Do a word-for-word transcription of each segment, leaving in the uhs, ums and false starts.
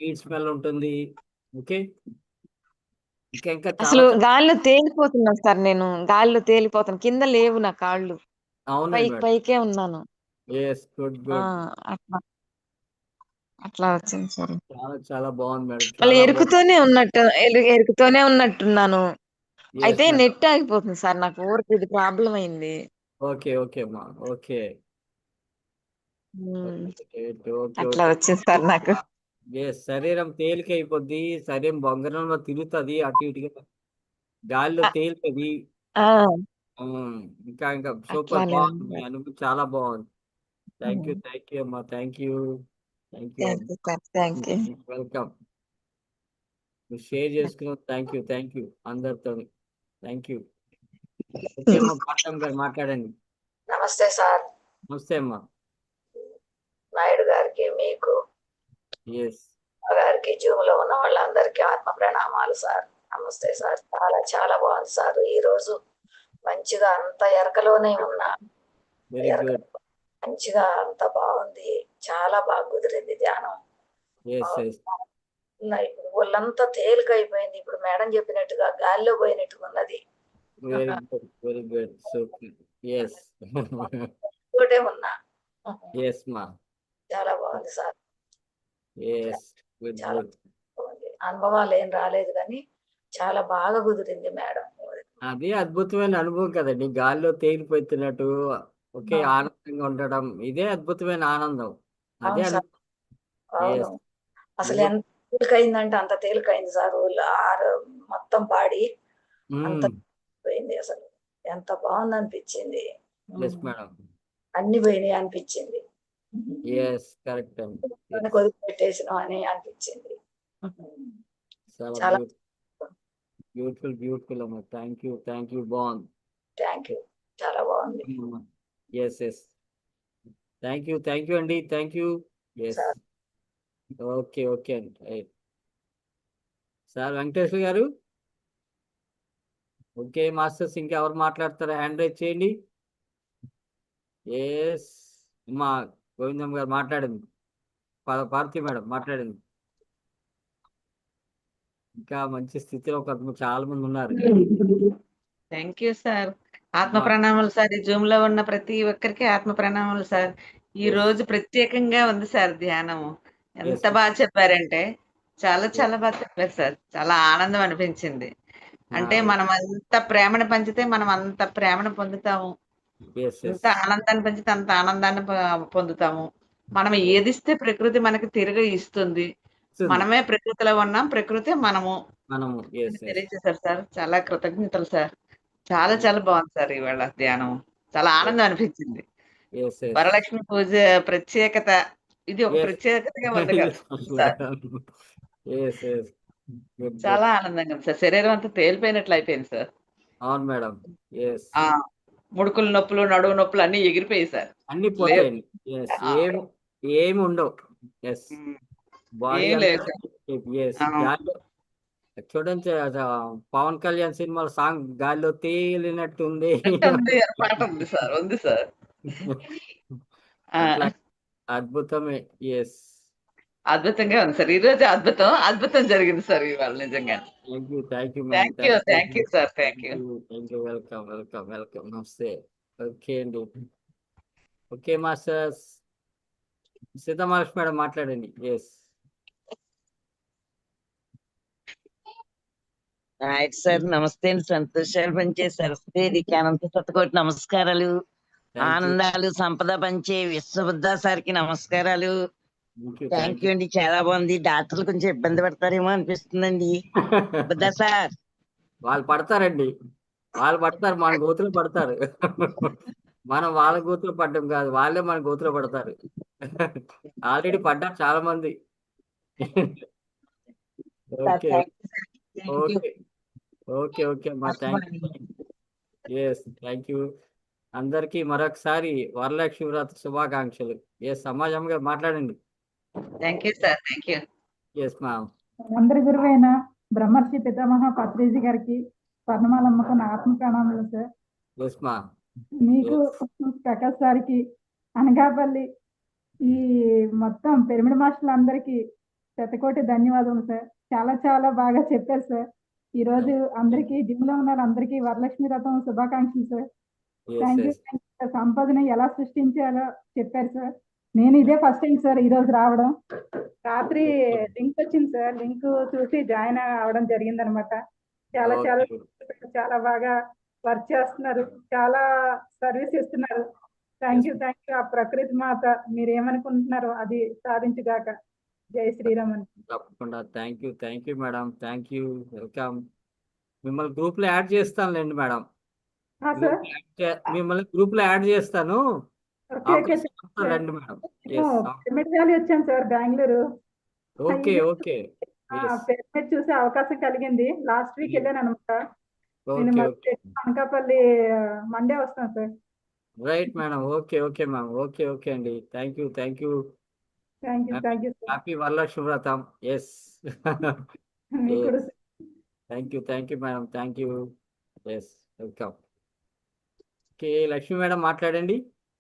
Sweet smell ఉంటుంది. Okay. ఇంకా ఇంకా చాలా అసలు చాలా గాల్లో తేలిపోతున్నాను సార్ నేను. గాల్లో తేలిపోతాను. కింద లేవు నా కాళ్ళు. అవునండి పైకి మేడం. పైకే ఉన్నాను. యెస్. గుడ్. ఆ! గుడ్. అట్లా. అట్లా వచ్చింది సార్. చాలా చాలా బాగుంది మేడం. మళ్ళీ చాలా బాగుంది. ఎరుకుతూనే ఉన్నట్టు ఎలు ఎరుకుతూనే ఉన్నట్టున్నాను. యెస్ అయితే మేడం. నెట్ ఆగిపోతుంది సార్. నాకు ఊరికే ఇది ప్రాబ్లమ్ అయింది. ఓకే. ఓకే అమ్మా. ఓకే. హ్మ్. ఓకే. ఓకే. అట్లా ఓకే. వచ్చింది సార్ నాకు. యెస్. శరీరం తేలికైపోద్ది. శరీరం బొంగరంలో తిరుగుతది అటు ఇటుగా. గాలిలో అ తేలుతది. ఆ! హ్మ్. ఇంకా ఇంకా సూపర్ అట్లానే బాగుంది. ఉంది మీ సార్. అనుభూతి చాలా బాగుంది. Thank you. Hmm. Thank you అమ్మా. Thank you. Thank you thank అమ్మా. You sir. Thank you. Welcome. మీరు షేర్ చేసుకున్నందుకు థ్యాంక్ యూ. థ్యాంక్ యూ అందరితోని. Thank you. ఓకే అమ్మా. భారతమ్మ గారు మాట్లాడండి. నమస్తే సార్. నమస్తే అమ్మా. నాయుడు గారికి, మీకు యెస్. గారికి, జూమ్‌లో ఉన్న వాళ్ళందరికీ ఆత్మ ప్రణామాలు సార్. నమస్తే సార్. చాలా చాలా బాగుంది సార్. ఈరోజు మంచిగా అంత ఎరకలోనే ఉన్నా. వెరీ ఎరక గుడ్. మంచిగా అంత బాగుంది. చాలా బాగా కుదిరింది ధ్యానం. యెస్. యెస్. నా ఇప్పుడు ఒళ్ళంతా తేలికైపోయింది. ఇప్పుడు మేడం చెప్పినట్టుగా గాలిలో పోయినట్టుగా ఉన్నది. Very good. Very good. Super. Yes. తోటే ఉన్నా. యెస్ మా. చాలా బాగుంది సార్. యెస్. గుడ్. చాలా గుడ్. బాగుంది. అనుభవాలు ఏం రాలేదు కానీ చాలా బాగా కుదిరింది మేడం. అది అద్భుతమైన అనుభవం కదండీ. గాల్లో తేలిపోతున్నట్టు ఒకే ఆ! ఆనందంగా ఉండడం. ఇదే అద్భుతమైన ఆనందం. అదే అవును అను సార్. అవును. యెస్. అసలు నువ్వు ఎంత తేలికయిందంటే అంత తేలికయింది సార్. ఒళ్ళు ఆరు మొత్తం బాడీ అంత హ్మ్. పోయింది అసలు. ఎంత బావుందనిపించింది. యెస్ హ్మ్. మేడం. అన్నీ పోయినాయి అనిపించింది. యెస్. కరెక్ట్ అండి. యెస్. వదిలిపెట్టేసినాం అని అనిపించింది. చాలా చాలా బ్యూటి బ్యూటిఫుల్ బ్యూటిఫుల్ అమ్మా. Thank you. Thank you. బావుంది. Thank you. చాలా బావుంది. Hmm. Yes. Yes. Thank you. Thank you అండి. Thank you. Yes. Sir. Okay. Okay అండి. రైట్. సార్ వెంకటేశ్వర గారు. ఓకే మాస్టర్స్ ఇంకెవరు మాట్లాడతారా? హ్యాండ్ రైజ్ చేయండి. యెస్. అమ్మా గోవిందమ్మ గారు మాట్లాడండి. పా పార్వతి మేడం మాట్లాడండి. ఇంకా మంచి స్థితిలో కొంతమంది చాలా మంది ఉన్నారు. Thank you sir. ఆత్మ అమ్మా. ప్రణామాలు సార్. ఈ జూమ్‌లో ఉన్న ప్రతి ఒక్కరికి ఆత్మ ప్రణామాలు సార్. ఈ యెస్. రోజు ప్రత్యేకంగా ఉంది సార్ ధ్యానము. యెస్ ఎంత మా. బాగా చెప్పారంటే చాలా యెస్. చాలా బాగా చెప్పారు సార్. చాలా ఆనందం అనిపించింది. అంటే ఆ! మనం అంత ప్రేమను పంచితే మనం అంత ప్రేమను పొందుతాము. యెస్. ఎంత యెస్. ఆనందాన్ని పంచితే అంత ఆనందాన్ని ప పొందుతాము. మనం యెస్. ఏదిస్తే ప్రకృతి మనకి తిరిగి ఇస్తుంది. ఇస్తుంది. మనమే ప్రకృతిలో ఉన్నాం. ప్రకృతే మనము మనము. అని యెస్. యెస్. తెలియజేశారు సార్. చాలా కృతజ్ఞతలు సార్. చాలా థాంక్ చాలా బాగుంది సార్ ఇవాళ ధ్యానం. చాలా యెస్. ఆనందం అనిపించింది. యెస్. యెస్. వరలక్ష్మి పూజ ప్రత్యేకత ఇది ఒక యెస్. ప్రత్యేకతగా ఉంది కదా sir. Yes. Yes. Good. Good. చాలా ఆనందంగా ఉంది సార్. శరీరం అంతా తేలిపోయినట్లు అయిపోయింది సార్. అవును మేడం. యెస్. ఆ! ముడుకులు నొప్పులు, నడుము నొప్పులు అన్నీ ఎగిరిపోయాయి సార్. అన్నీ లేవు. పోతాయండి. యెస్. ఆ! ఏమి ఏమి ఉండవు. యెస్. హ్మ్. బాడీ ఏం అంతా లేదు సార్. యెస్. ఆ! గాల్లో చూడండి అద పవన్ కళ్యాణ్ సినిమాలో సాంగ్ గాల్లో తేలినట్టుంది. ఉంది అని పాట ఉంది సార్. ఉంది సార్. ఆ! అట్లా అద్భుతమే. యెస్. అద్భుతంగా ఉంది సార్. ఈరోజు అద్భుతం. అద్భుతం జరిగింది సార్ ఇవాళ నిజంగానే. Thank you. Thank you ma'am. Thank you. Thank you. Thank you sir. Thank thank you. You. Thank you. Welcome. Welcome. Welcome. నమస్తే. ఓకే అండి. Okay masters. సీతామహాలక్ష్మి మేడం మాట్లాడండి. యెస్. Right sir. నమస్తే అండి. సంతోషాలు పంచే సరస్వతీదేవికి అనంత శతకోటి నమస్కారాలు. Thank you. ఆనందాలు, సంపద పంచే విశ్వబుద్ధ సార్‌కి నమస్కారాలు. Thank you. Thank thank you you. అండి. చాలా బాగుంది. డాక్టర్లు కొంచెం ఇబ్బంది పడతారేమో అనిపిస్తుందండి. బుద్ధ సార్. వాళ్ళు పడతారండి. వాళ్ళు పడతారు. మన గోతిలో పడతారు. మనం వాళ్ళ గోతిలో పడ్డం కాదు. వాళ్ళే మన గోతిలో పడతారు. ఆల్రెడీ పడ్డారు చాలా మంది. Sir okay. Thank you sir. Thank you. Okay. Okay. Okay అమ్మా. Thank you. Yes. Thank you. అందరికీ మరొకసారి వరలక్ష్మి వ్రత శుభాకాంక్షలు. యెస్. సమాజం గారు మాట్లాడండి. Thank you sir. Thank you. Yes ma'am. అందరి గురువైన బ్రహ్మర్షి పితామహ పత్రిజీ గారికి స్వర్ణమాలమ్మకు నా ఆత్మ ప్రణామాలు సార్. Yes ma'am. మీకు యెస్. ప్రకాష్ సార్కి అనకాపల్లి ఈ మొత్తం పిరమిడ్ మాస్టర్లందరికీ శతకోటి ధన్యవాదములు సార్. చాలా చాలా బాగా చెప్పారు సార్. ఈ రోజు అందరికీ జిమ్ లో ఉన్న అందరికీ వరలక్ష్మి వ్రతం శుభాకాంక్షలు sir. Yes thank you yes sir. సంపదను ఎలా సృష్టించాలో చెప్పారు సార్. నేను ఇదే ఫస్ట్ టైం సార్ ఈ రోజు రావడం. రాత్రి లింక్ వచ్చింది సార్, లింక్ చూసి జాయిన్ అవడం జరిగింది అనమాట. చాలా చాలా చాలా బాగా వర్క్ చేస్తున్నారు, చాలా సర్వీస్ ఇస్తున్నారు. Thank you thank you. ఆ ప్రకృతి మాత మీరు ఏమనుకుంటున్నారో అది సాధించుగాక. జై శ్రీరామ్ అని. తప్పకుండా. Thank you thank you madam. Thank you. Welcome. మిమ్మల్ని గ్రూప్ లో యాడ్ చేస్తానులేండి మేడం. ఆ సార్. మిమ్మల్ని గ్రూప్ లో యాడ్ చేస్తాను. ఓకే ఓకే అవకాశం రండి మేడం. పిరమిడ్ వ్యాలీ వచ్చాను sir Bengaluru. Okay okay pyramid చూసే అవకాశం కలిగింది. లాస్ట్ వీక్ వెళ్ళాను అనమాట. నేను ఓకే మళ్ళీ ఓకే అనకాపల్లి మండే వస్తాను sir. Right madam. Okay okay ma'am. Okay okay అండి. Thank you thank you. Thank you thank you sir. Happy Varalakshmi వ్రతం. ఎస్ మీకు కూడా sir. Thank you thank you madam. Thank you. Yes welcome. Okay Lakshmi madam మాట్లాడండి.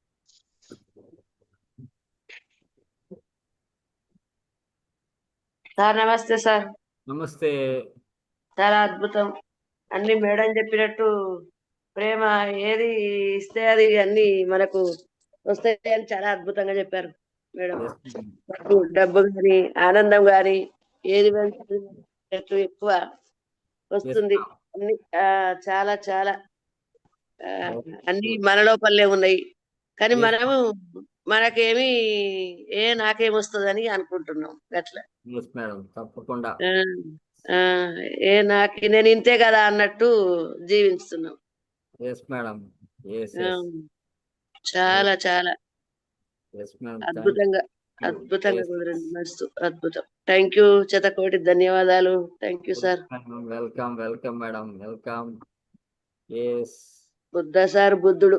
Sir నమస్తే sir. నమస్తే. చాలా అద్భుతం. అన్ని మేడం చెప్పినట్టు ప్రేమ ఏది ఇస్తే అది అన్ని మనకు వస్తాయని చాలా అద్భుతంగా చెప్పారు మేడం. Yes madam. డబ్బు డబ్బు కానీ ఆనందం కానీ ఏది పెంచు ఎక్కువ వస్తుంది. అన్ని ఆ, చాలా చాలా ఆ, అన్ని మన లోపలే ఉన్నాయి. కానీ Yes. మనము మనకేమి ఏ నాకేమొస్తుందని అనుకుంటున్నాం అట్లా. ఎస్ మేడం తప్పకుండా. ఆ, ఆ, ఏ నాకు నేను ఇంతే కదా అన్నట్టు జీవిస్తున్నాం. Yes madam. ఎస్ ఆ, ఎస్ చాలా చాలా ఎస్ మేడం. అద్భుతంగా అద్భుతంగా కుదిరింది. మస్తు అద్భుతం. Thank you. శతకోటి ధన్యవాదాలు. Thank you sir. Welcome welcome madam. Welcome. Yes Buddha sir బుద్ధుడు.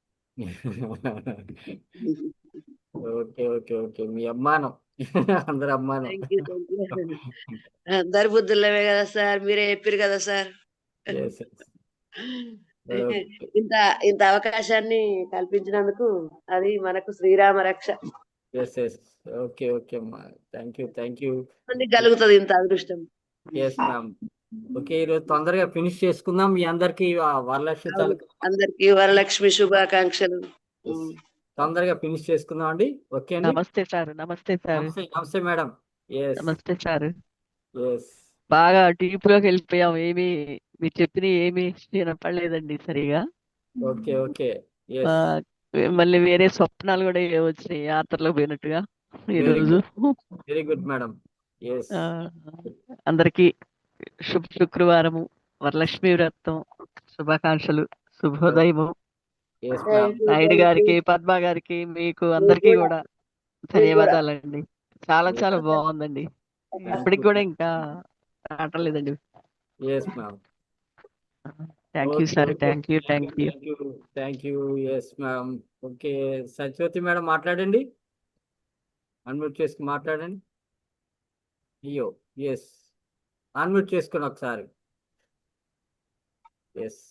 ఓకే ఓకే ఓకే మీ అమ్మానం. అందరు అమ్మానం. Thank you thank you. అందరు బుద్ధులవే కదా సార్, మీరే చెప్పారు కదా సార్. ఎస్ ఎస్ ఓకే ఇంత ఇంత అవకాశాన్ని కల్పించినందుకు అది మనకు శ్రీరామ రక్ష. ఎస్ ఎస్ ఓకే ఓకే అమ్మా. Thank you thank you. మందికి కలుగుతుంది ఇంత అదృష్టం. Yes ma'am. ఓకే ఈరోజు తొందరగా ఫినిష్ చేసుకుందాం. మీ అందరికి వరలక్ష్మి తాలూకా అందరికి వరలక్ష్మి శుభాకాంక్షలు. తొందరగా ఫినిష్ చేసుకుందాం అండి. ఓకే అండి. నమస్తే సార్. నమస్తే సార్. నమస్తే నమస్తే మేడం. ఎస్ నమస్తే సార్. ఎస్ బాగా డీప్ లోకి వెళ్ళిపోయాం. ఏమి మీరు చెప్పిన ఏమి వినపడలేదండి సరిగా. ఓకే ఓకే ఆ, ఎస్ మళ్ళీ వేరే స్వప్నాలు కూడా ఏ వచ్చినాయి యాత్రలో పోయినట్టుగా ఈ వెరీ రోజు. Good very good madam. Yes ఆ, అందరికి శుభ శుక్రవారము వరలక్ష్మి వ్రతం శుభాకాంక్షలు. శుభోదయము. Yes ma'am. నాయుడు గారికి, పద్మ గారికి, మీకు అందరికీ కూడా ధన్యవాదాలండి. చాలా చాలా బాగుందండి. ఇప్పటికి కూడా ఇంకా రావట్లేదండి. Yes ma'am. Thank you sir. Thank you thank you. Thank you thank you. Yes ma'am. Okay Satyavathi madam మాట్లాడండి. అన్మ్యూట్ చేసుకుని మాట్లాడండి. అయ్యో ఎస్ అన్మ్యూట్ చేసుకుని ఒకసారి. Yes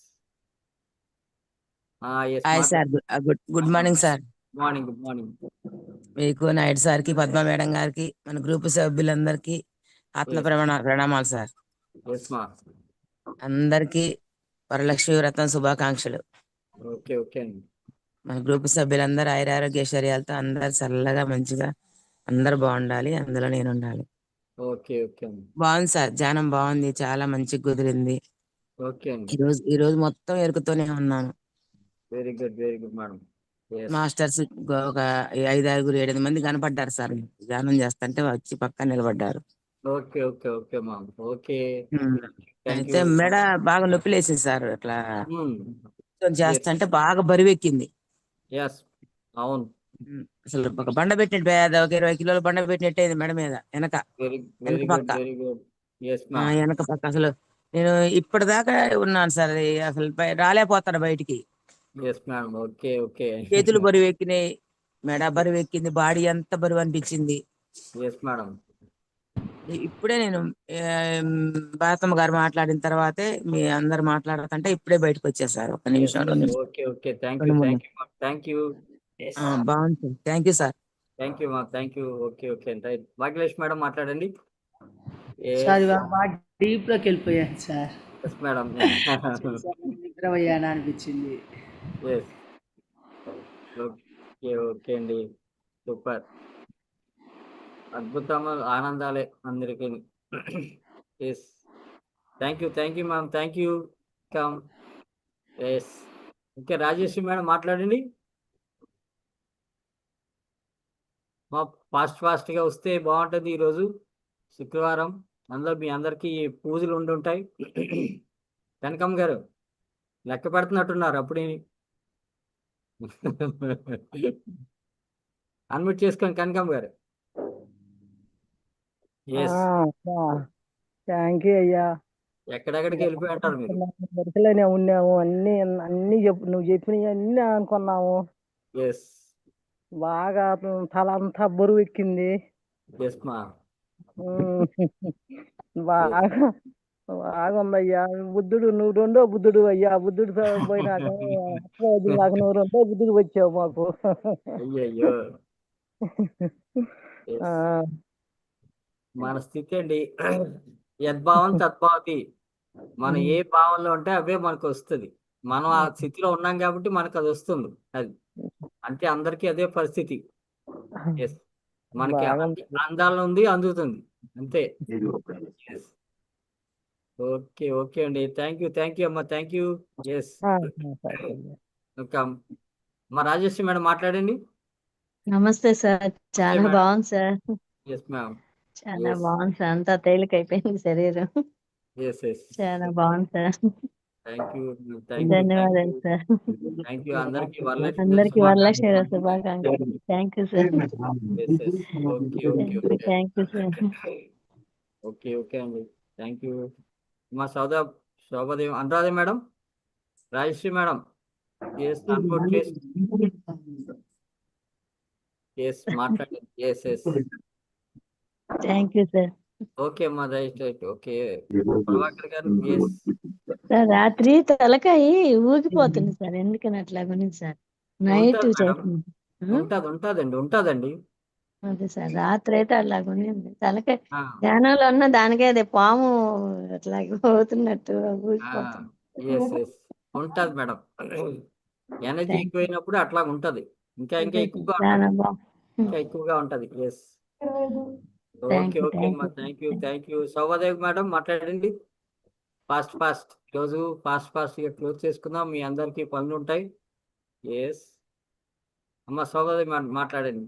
yes hi sir. Good good morning sir. Morning good morning. మీకు నాయుడు సార్కి, Padma madam గారికి, మన గ్రూప్ సభ్యులందరికీ ఆత్మ Yes. ప్రమాణ ప్రణామాలు సార్. ఎస్ మా అందరికీ వరలక్ష్మి వ్రతం శుభాకాంక్షలు. ఓకే ఓకే అండి. మన గ్రూప్ సభ్యులందరూ ఆయురారోగ్య ఐశ్వర్యాలతో అందరు చల్లగా మంచిగా అందరు బాగుండాలి. అందులో నేను ఉండాలి. ఓకే ఓకే అండి. బాగుంది సార్. ధ్యానం బాగుంది. చాలా మంచిగా కుదిరింది. ఓకే అండి. ఈ రోజు ఈ రోజు మొత్తం ఎరుకుతూనే ఉన్నాను. Very good very good madam. Yes masters ఒక ఐదు ఆరుగురు ఏడెనిమిది మంది కనపడ్డారు సార్. ధ్యానం చేస్తుంటే వచ్చి పక్కన నిలబడ్డారు. Okay okay okay ma'am. Okay um. Thank అయితే యూ. మెడ బాగా నొప్పి లేసింది సార్. అట్లా చేస్తుంటే బాగా బరువెక్కింది. ఎస్ అవును. ఉమ్. అసలు ఒక బండ పెట్టినట్టు పేద ఒక ఇరవై కిలోల బండ పెట్టినట్టు అయింది మెడ మీద వెనక వెరీ వెనక వెరీ గుడ్ పక్క వెరీ గుడ్. ఎస్ ఆ, మ్యామ్. వెనక పక్క అసలు నేను ఇప్పటిదాకా ఉన్నాను సార్. అది అసలు బయ- రాలేకపోతాను బయటికి. Yes ma'am. Okay okay. చేతులు బరువు ఎక్కినాయి, మెడ బరువు ఎక్కింది, బాడీ అంతా బరువు అనిపించింది. Yes madam. ఇప్పుడే నేను ఏం, భారతమ్మ గారు మాట్లాడిన తర్వాతే మీ అందరు మాట్లాడుతుంటే ఇప్పుడే బయటకు వచ్చేసారు. ఒక నిమిషం రెండు నిమిషం. ఓకే ఓకే థ్యాంక్ యూ రెండు మూడు థ్యాంక్ యూ థ్యాంక్ యూ. ఆ, బాగుంది sir. Thank you sir. Thank you మా థ్యాంక్ యూ. ఓకే ఓకే అండి రైట్. భాగ్యలక్ష్మి మేడం మాట్లాడండి. సార్ ఇవాళ బాగా డీప్ లోకి వెళ్ళిపోయాను సార్. Yes madam. నిద్రపోయాను అనిపించింది. ఎస్ ఓకే ఓకే అండి సూపర్. అద్భుతము ఆనందాలే అందరికీ. Yes thank you thank you ma'am thank you come. Yes okay Rajeshwari madam మాట్లాడండి. మా ఫాస్ట్ ఫాస్ట్గా వస్తే బాగుంటుంది. ఈరోజు శుక్రవారం అందులో మీ అందరికీ పూజలు ఉండి ఉంటాయి. కనకమ్మ గారు లెక్క పెడుతున్నట్టున్నారు అప్పుడే. అన్మ్యూట్ చేసుకోండి కనకమ్మ గారు. ఎస్ థ్యాంక్ యూ అయ్యా. ఎక్కడెక్కడికి వెళ్ళిపోయి అంటారు మీరు. వరుసలోనే ఉన్నాము, అన్ని అన్ని చెప్పు నువ్వు చెప్పినవి అన్ని అనుకున్నాము. ఎస్ బాగా తల అంతా బరువు ఎక్కింది. ఎస్ మా ఉమ్, బాగా బాగా ఉందయ్యా. బుద్ధుడు నువ్వు రెండో బుద్ధుడు అయ్యా. బుద్ధుడు పోయినాక అట్లా వద్దు నాకు, నువ్వు రెండో బుద్ధుడు వచ్చావు మాకు. అయ్యయ్యో ఆ, మన స్థితి అండి. యద్భావం తద్భావతి. మనం ఏ భావంలో ఉంటే అవే మనకు వస్తుంది. మనం ఆ స్థితిలో ఉన్నాం కాబట్టి మనకు అది వస్తుంది. అది అంటే అందరికీ అదే పరిస్థితి. ఎస్ మనకి బాగా అంది- అందాల్లో ఉంది అందుతుంది అంతే. Yes. ఓకే ఓకే అండి థ్యాంక్ యూ థ్యాంక్ యూ అమ్మా థ్యాంక్ యూ. ఎస్ ఆ, సరే అయ్యా. వెల్కమ్. మా రాజేశ్వరి మేడం మాట్లాడండి. నమస్తే సార్. చాలా మేడం. బాగుంది సార్. Yes ma'am. చాలా Yes. బాగుంది సార్. అంతా తేలికైపోయింది శరీరం. ఎస్ ఎస్ చాలా బాగుంది sir. Thank you thank you ధన్యవాదాలు సార్. థ్యాంక్ యూ అందరికీ వరలక్ష్మి అందరికి వరలక్ష్మి శుభాకాంక్షలు. Thank you sir. Okay okay okay thank you sir. Okay okay అండి థ్యాంక్ యూ. మా సౌదా Shobhadevi Anuradha madam Rajashri madam yes unmute చేసి ఎస్ మాట్లాడండి. Yes yes thank you sir. Okay అమ్మా రైట్ రైట్ ఓకే ప్రభాకర్ గారు ఎస్ సార్ రాత్రి తలకాయ ఊగిపోతుంది సార్. ఎందుకని అట్లా గురించి సార్ నైట్ ఉంటుంది మేడం. చేస్తుంది. ఉం? ఉంటది ఉంటదండి ఉంటదండి. అదే సార్ రాత్రి అయితే అట్లా ఉంది. తలకాయ ఆ, ధ్యానంలో ఉన్న దానికే అదే పాము అట్లా పోతున్నట్టు ఆ, ఊగిపోతుంది. ఎస్ ఎస్ ఉంటది మేడం. Energy thank you. ఎక్కువైనప్పుడు అట్లా ఉంటది. ఇంకా ఇంకా అదే ఎక్కువగా సార్ చాలా ఉంటది. బాగుంది. ఇంకా ఎక్కువగా ఉంటది. Yes thank okay you okay thank అమ్మా you thank you thank you. Shobhadevi madam మాట్లాడండి. ఫాస్ట్ ఫాస్ట్ రోజు ఫాస్ట్ ఫాస్ట్ గా క్లోజ్ చేసుకుందాం. మీ అందరికీ పనులు ఉంటాయి. ఎస్ అమ్మ శోభాదేవి మేడం మాట్లాడండి.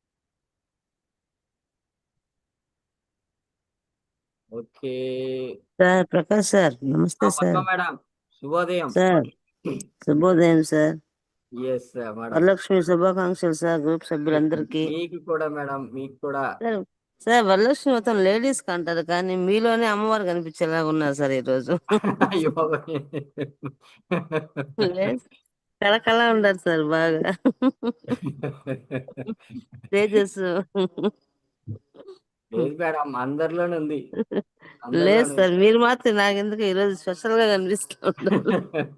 ఓకే సార్ ప్రకాష్ సార్ నమస్తే ఆ, పద్మ సార్. మేడం శుభోదయం. సార్ శుభోదయం సార్. ఎస్ మేడం వరలక్ష్మి శుభాకాంక్షలు సార్ గ్రూప్ సభ్యులందరికీ. మీకు కూడా మేడం మీకు కూడా. సార్ సార్ వరలక్ష్మి మొత్తం లేడీస్ కి అంటారు కానీ మీలోనే అమ్మవారు కనిపించేలా ఉన్నారు సార్ ఈ రోజు. అయ్యో లేదు, కళకళ ఉండదు సార్ బాగా తేజస్. లేదు మేడం అందరిలోనే ఉంది. లేదు అందరిలోనే సార్ ఉంది. మీరు మాత్రం నాకు ఎందుకు ఈ రోజు స్పెషల్ గా కనిపిస్తూ ఉంటారు.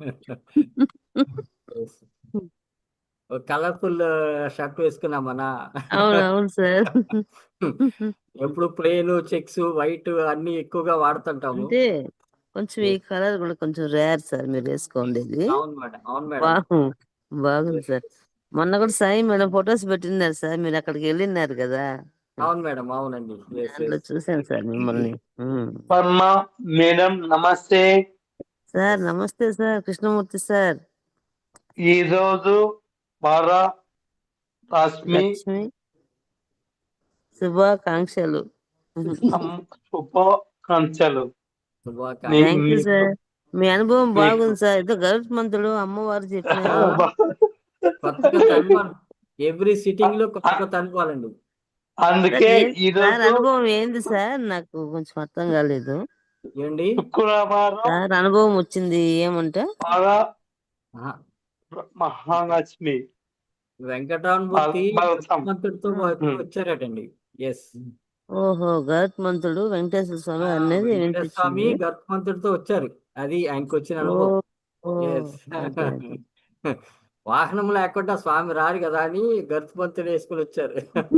Yes. ఒక కలర్ఫుల్ షర్ట్ వేసుకున్నామన్నా. అవును అవును సార్. ఎప్పుడు ప్లేన్ చెక్స్ వైట్ అన్ని ఎక్కువగా వాడుతుంటాము. అంటే కొంచెం ఈ కలర్ కూడా కొంచెం రేర్ సార్ మీరు వేసుకోండి. అవును మేడం అవును మేడం. బాగు బాగుంది సార్. మొన్న కూడా సాయి మేడం ఫొటోస్ పెట్టినారు సార్, మీరు అక్కడికి వెళ్ళినారు కదా, అవును మేడం అవునండి. Yes, దాంట్లో yes. చూసాను సార్ మిమ్మల్ని. ఉమ్. పద్మ మేడం నమస్తే. సార్ నమస్తే సార్ కృష్ణమూర్తి సార్. ఈ రోజు వర రశ్మి లక్ష్మి శుభాకాంక్షలు. అమ్- శుభాకాంక్షలు. శుభాకాంక్షలు. మీ- థ్యాంక్ యూ మీకు- సార్. మీ అనుభవం మీకు- బాగుంది సార్. ఏదో గరుత్మంతుడు అమ్మవారు చెప్పినారు. కొత్త కొత్త అనుభవం ఎవ్రీ సిట్టింగ్ లో కొత్త కొత్త అనుభవాలండి. అందుకే సార్, ఈ సార్ రోజు అనుభవం ఏంది సార్? నాకు కొంచెం అర్థం కాలేదు ఏండి శుక్రవారం సార్. అనుభవం వచ్చింది ఏమంటే వర ఆహా. మహాలక్ష్మి వెంకటరామమూర్తి బలసం. మంత్రుడితో వచ్చారటండి. ఎస్ ఓహో గరుత్మంతుడు వెంకటేశ్వర స్వామి అనేది వెంకటేశ్వర స్వామి వినిపించింది. గర్భమంతుడితో వచ్చారు. అది ఆయనకు వచ్చిన అనుభవం. ఓ, ఓ, Yes. Okay, okay. వాహనం లేకుండా స్వామి రారు కదా అని గరుత్మంతుడు వేసుకుని వచ్చారు.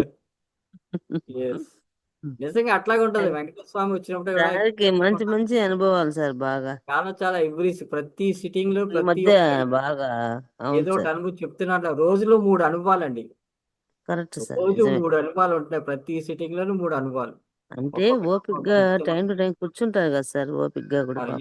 ఎస్ నిజంగా అట్లాగే ఉంటది. వెంకటేశ్వర స్వామి వచ్చినప్పుడు కూడా సార్కి మంచి మంచి అనుభవాలు సార్ బాగా చాలా చాలా ఎవ్రీ ప్రతి సిట్టింగ్ లో ఈ ప్రతి మధ్య ఒక్క బాగా అవును ఏదో ఒకటి సార్ అనుభవం చెప్తున్నట్లు రోజులో మూడు అనుభవాలండి. కరెక్ట్ సార్ రోజు నిజమే మూడు అనుభవాలు ఉంటున్నాయి. ప్రతి సిట్టింగ్ లోనూ మూడు అనుభవాలు. అంటే ఒక్కొక్కటి ఓపిక్గా ఒక్కొక్క టైం టు టైం కూర్చుంటారు కదా సార్ ఓపిక్గా కూడా మరి పాపం